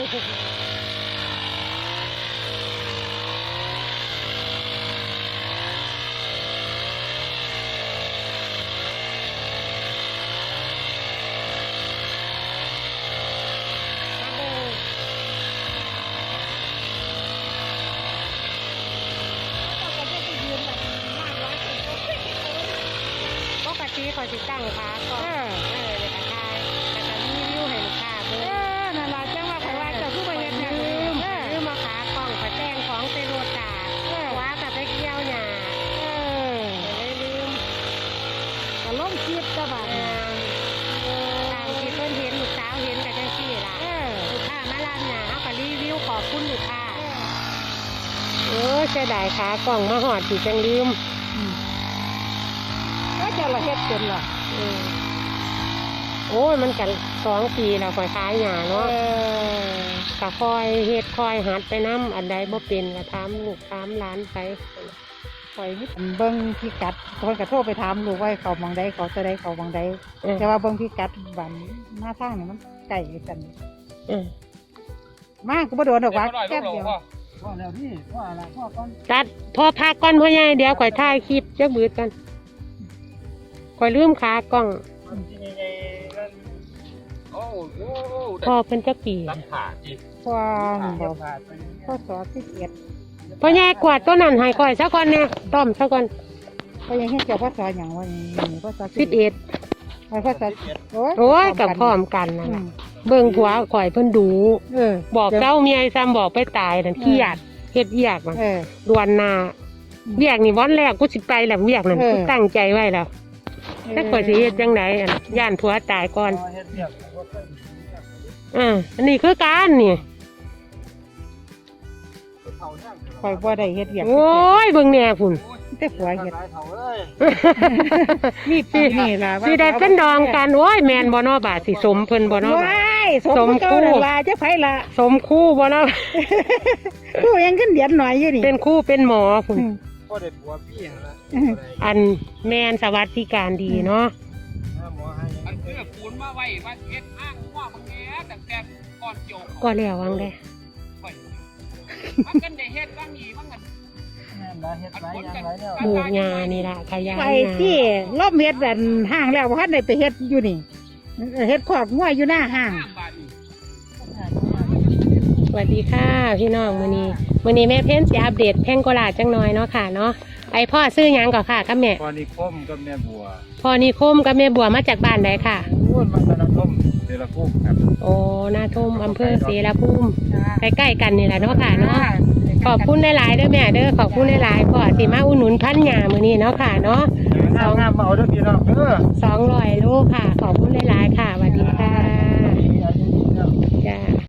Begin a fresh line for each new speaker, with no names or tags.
คอยติดตั้งขาก็เดี๋ยวทายแต่ก็รีวิวให้ลูกค้าเบิ่งนั่นล่ะจังว่าเขาว่าจะผู้บริหารลืมมาขากล่องไปแต่งของเซโรตาว่ากับไปเกี่ยวหญ้าเลยลืมก็ล้มคิดก็แบบตามที่เพิ่นเห็นลูกสาวเห็นกันจังซี่ล่ะลูกค้ามาร้านหญ้าเขาก็รีวิวขอบคุณลูกค้าเสียดายขากล่องมาหอดที่จังลืมก็จะละเฮ็ดเป็นหรอโอ้ยมันกัน2 ปีแล้วค่อยขายหญ้าเนาะก็คอยเฮ็ดคอยหัดไปน้ำอันใดบ่เป็นก็ถามลูกถามหลานไปคอยนิดเบิ่งพิกัดคนก็โทรไปถามลูกว่าเขามองใดเขาจะได้เขามองใดแต่ว่าเบิ่งพิกัดบ้านหน้าทางนี่มันไกลกันมากก็บ่โดนดอกว่าแค่เดียวพ่อแล้วพี่พ่ออะไรพ่อก่อนตัดพ่อพักก่อนพ่อใหญ่เดี๋ยวข่อยถ่ายคลิปจักบืดกันคอยลืมขากล้องพ่อเป็นจักปีพ่อบอกพ่อสอน11พ่อแย่กวาดต้นนั้นให้คอยสักคนเนี่ยต้อมสักคนพ่อแย่ให้เจ้าพ่อสอนอย่างว่าพ่อสอน11พ่อสอนโอ้ยกับพร้อมกันนะเบิ่งผัวข่อยเพิ่นดูบอกเจ้าเมียซ้ำบอกไปตายนั่นขี้หยาดเฮ็ดเวียกมันดวนนาเวียกนี่วันแรกกูสิไปแล้วเวียกนั่นกูตั้งใจไว้แล้วถ้าข่อยสิเฮ็ดจังไดย่านผัวตายก่อนอันนี้คือการนี่ข่อยบ่ได้เฮ็ดเวียกโอ้ยเบิ่งแน่พุ่นแต่ผัวเฮ็ดนี่ปีนี่ล่ะสิได้เป็นดองกันโอ้ยแม่นบ่เนาะบาดสิสมเพิ่นบ่เนาะสมคู่ล่ะจักไผล่ะสมคู่บ่เนาะคู่ยังขึ้นเดือนหน่อยอยู่นี่เป็นคู่เป็นหมอพุ่นบ่ได้ผัวพี่ล่ะอันแม่นสวัสดิการดีเนาะอันเพื่อปูนมาไว้ว่าเฮ็ดอ้างว่าบางแง่ตั้งแต่ก่อนโยกก็แล้ววังได้มันกันได้เฮ็ดบางอีบางกันปลูกหญ้านี่ล่ะขยายไปที่รอบเฮ็ดแบบห้างแล้วบ่ทันได้ไปเฮ็ดอยู่นี่เฮ็ดคอกงัวอยู่หน้าห้างสวัสดีค่ะพี่น้องมื้อนี้แม่เพ้นสิอัปเดตแพงโกลาจังน้อยเนาะค่ะเนาะไอพ่อซื้อหยังก่อนค่ะกับแม่พ่อนิคมกับแม่บัวพ่อนิคมกับแม่บัวมาจากบ้านใดค่ะมาจากนาทมเสรภูมิครับโอ้นาทมอำเภอเสรภูมิใกล้ๆกันนี่แหละเนาะค่ะเนาะขอบคุณหลายๆเด้อแม่เด้อขอบคุณหลายๆพ่อสิมาอุดหนุนพันหญ้ามื้อนี้เนาะค่ะเนาะ200 โลค่ะขอบคุณหลายๆค่ะ